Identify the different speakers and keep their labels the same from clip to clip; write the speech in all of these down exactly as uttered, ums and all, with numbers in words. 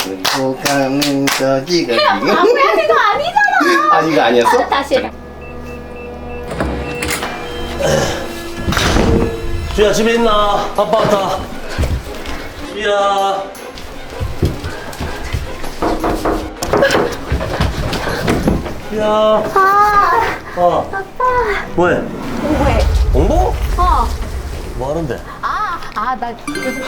Speaker 1: 못 가는 저기가 지금.
Speaker 2: 아무야 그거 아니잖아.
Speaker 1: 아 이거 아니었어?
Speaker 2: 아, 다시 해라.
Speaker 3: 수야 집에 있나? 아빠 왔다. 수야. 수야.
Speaker 2: 아,
Speaker 3: 어.
Speaker 2: 아빠.
Speaker 3: 뭐해?
Speaker 2: 공부해.
Speaker 3: 공부?
Speaker 2: 어.
Speaker 3: 뭐 하는데?
Speaker 2: 아, 아, 나 요즘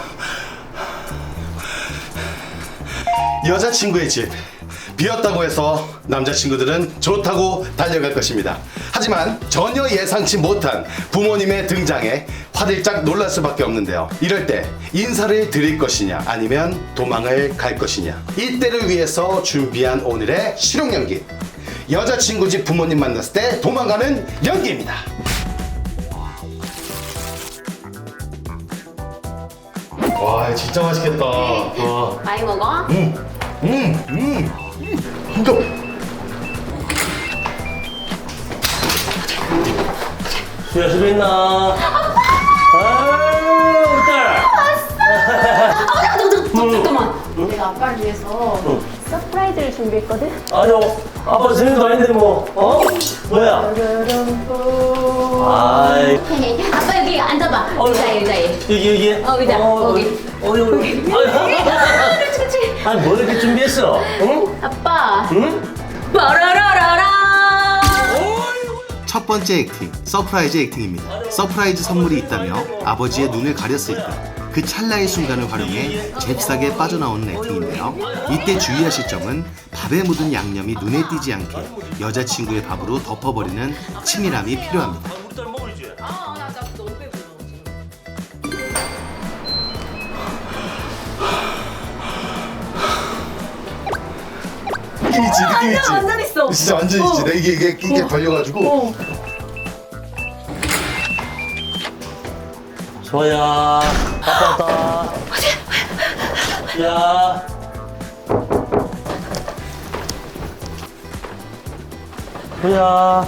Speaker 1: 여자친구의 집 비었다고 해서 남자친구들은 좋다고 달려갈 것입니다. 하지만 전혀 예상치 못한 부모님의 등장에 화들짝 놀랄 수밖에 없는데요. 이럴 때 인사를 드릴 것이냐 아니면 도망을 갈 것이냐, 이때를 위해서 준비한 오늘의 실용 연기, 여자친구 집 부모님 만났을 때 도망가는 연기입니다. 와 진짜 맛있겠다. 와.
Speaker 2: 많이 먹어?
Speaker 1: 음, 음, 음, 진짜.
Speaker 3: 수야 집에 있나? 아유 우리 딸.
Speaker 2: 아, 너, 너, 너, 잠깐만. 내가 아빠를 위해서 서프라이즈를 준비했거든?
Speaker 3: 아니요 아빠 생일도 아닌데 뭐 어? 뭐야? 아이
Speaker 2: 아빠 여기 앉아봐. 의자에, 의자에.
Speaker 3: 여기 여기
Speaker 2: 어, 의자. 거기.
Speaker 3: 어 여기
Speaker 2: 그렇지, 그렇지.
Speaker 3: 아니 뭘 이렇게 준비했어? 응?
Speaker 2: 아빠.
Speaker 3: 응?
Speaker 2: 빠라라라라.
Speaker 1: 첫 번째 액팅, 서프라이즈 액팅입니다. 서프라이즈 선물이 있다며 아버지의 눈을 가렸을 때 그 찰나의 순간을 활용해 잽싸게 빠져나오는 액팅인데요. 이때 주의하실 점은 밥에 묻은 양념이 눈에 띄지 않게 여자친구의 밥으로 덮어버리는 치밀함이 필요합니다.
Speaker 3: 우리 딸 먹으리지?
Speaker 2: 아, 나, 나 너무 배불러.
Speaker 1: 느낌있지, 느낌있지.
Speaker 2: 완전 있어.
Speaker 1: 진짜 완전 있지. 내 이게 이게 이게 걸려가지고.
Speaker 2: 어.
Speaker 3: 소야 아빠 왔다. 야 소야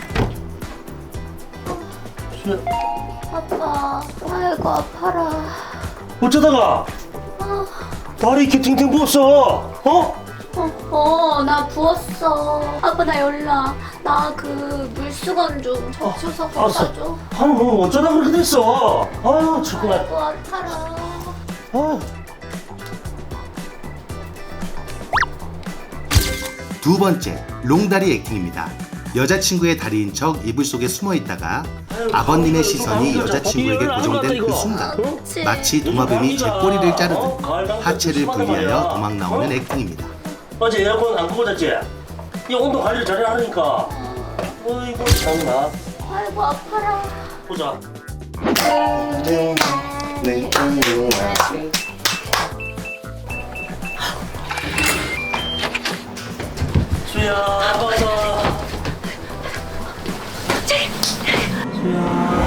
Speaker 3: 소야
Speaker 2: 아빠, 아이고 아파라.
Speaker 3: 어쩌다가 다리 이렇게 팅팅 부었어? 어?
Speaker 2: 어, 어, 나 부었어. 아빠 나 연락. 나 그 물수건 좀 적셔서 갖다
Speaker 3: 알았어.
Speaker 2: 줘.
Speaker 3: 아니 뭐 어쩌다 그렇게 됐어? 아유 정말.
Speaker 2: 아이고 아파라.
Speaker 3: 아.
Speaker 1: 두 번째, 롱다리 액팅입니다. 여자친구의 다리인 척 이불 속에 숨어 있다가 아버님의 시선이 여자친구에게 고정된 그 순간
Speaker 2: 그렇지.
Speaker 1: 마치 도마뱀이 제 꼬리를 자르듯 하체를 분리하여 도망 나오는 액팅입니다.
Speaker 3: 어제 에어컨 안 끄고 잤지? 이 온도 관리를 잘해야 하니까. 어이구 참나.
Speaker 2: 아이고 아파라.
Speaker 3: 보자. 수야 아빠다. 수야.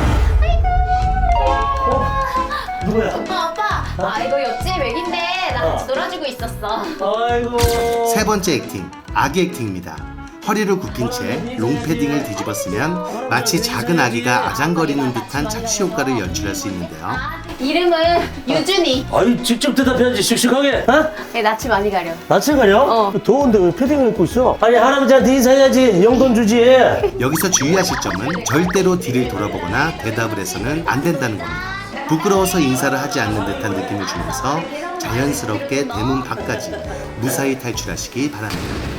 Speaker 3: 어? 누구야?
Speaker 2: 아빠 아빠. 아 이거 옆집 애긴데 나 같이 놀아주고 있었어.
Speaker 3: 아이고.
Speaker 1: 세 번째 액팅, 아기 액팅입니다. 허리를 굽힌 채 롱패딩을 뒤집어 쓰면 마치 작은 아기가 아장거리는 듯한 착시 효과를 연출할 수 있는데요.
Speaker 2: 아, 이름은 유준이.
Speaker 3: 아이 직접 대답해야지 씩씩하게. 어?
Speaker 2: 네, 낯이 많이 가려.
Speaker 3: 낯을 가려?
Speaker 2: 어.
Speaker 3: 더운데 왜 패딩을 입고 있어? 아니 할아버지한테 인사해야지. 용돈 주지.
Speaker 1: 여기서 주의하실 점은 절대로 뒤를 돌아보거나 대답을 해서는 안 된다는 겁니다. 부끄러워서 인사를 하지 않는 듯한 느낌을 주면서 자연스럽게 대문 밖까지 무사히 탈출하시기 바랍니다.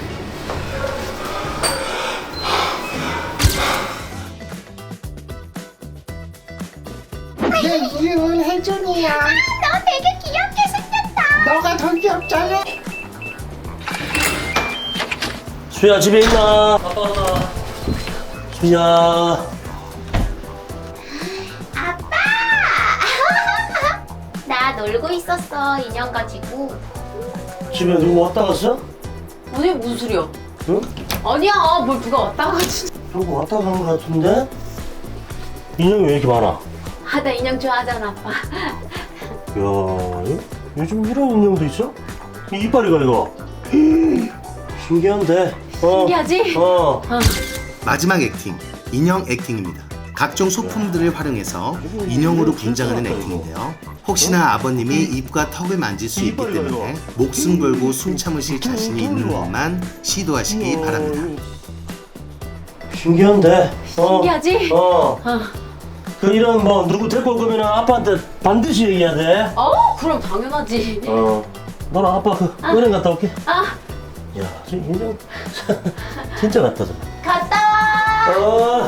Speaker 4: 내 이름은 혜준이야.
Speaker 2: 너 되게 귀엽게 생겼다.
Speaker 4: 너가 더 귀엽잖아.
Speaker 3: 수야 집에 있나? 아빠 왔다. 수야.
Speaker 2: 아빠! 나 놀고 있었어, 인형 가지고.
Speaker 3: 집에 누구 왔다 갔어?
Speaker 2: 아니, 무슨 소리야?
Speaker 3: 응?
Speaker 2: 아니야, 뭘 누가 왔다 가지.
Speaker 3: 누구 왔다 간 것 같은데? 인형이 왜 이렇게 많아?
Speaker 2: 아, 나 인형 좋아하잖아, 아빠.
Speaker 3: 야, 요- 요즘 이런 인형도 있어? 이 이빨이가 이거. 신기한데. 어.
Speaker 2: 신기하지?
Speaker 3: 어.
Speaker 2: 어.
Speaker 1: 마지막 액팅, 인형 액팅입니다. 각종 소품들을 활용해서 인형으로 분장하는 액팅인데요. 혹시나 아버님이 입과 턱을 만질 수 있기 때문에 목숨 걸고 숨 참으실 자신이 있는 것만 시도하시기 바랍니다.
Speaker 3: 신기한데?
Speaker 2: 신기하지?
Speaker 3: 어. 어. 그 이런 뭐 누구 데리고 올 거면 아빠한테 반드시 얘기해야 돼.
Speaker 2: 어, 그럼 당연하지.
Speaker 3: 어. 너랑 아빠 그 은행 갔다 올게.
Speaker 2: 아,
Speaker 3: 야, 저 인형 진짜 같다. 저.
Speaker 2: 갔다 와.
Speaker 3: 어.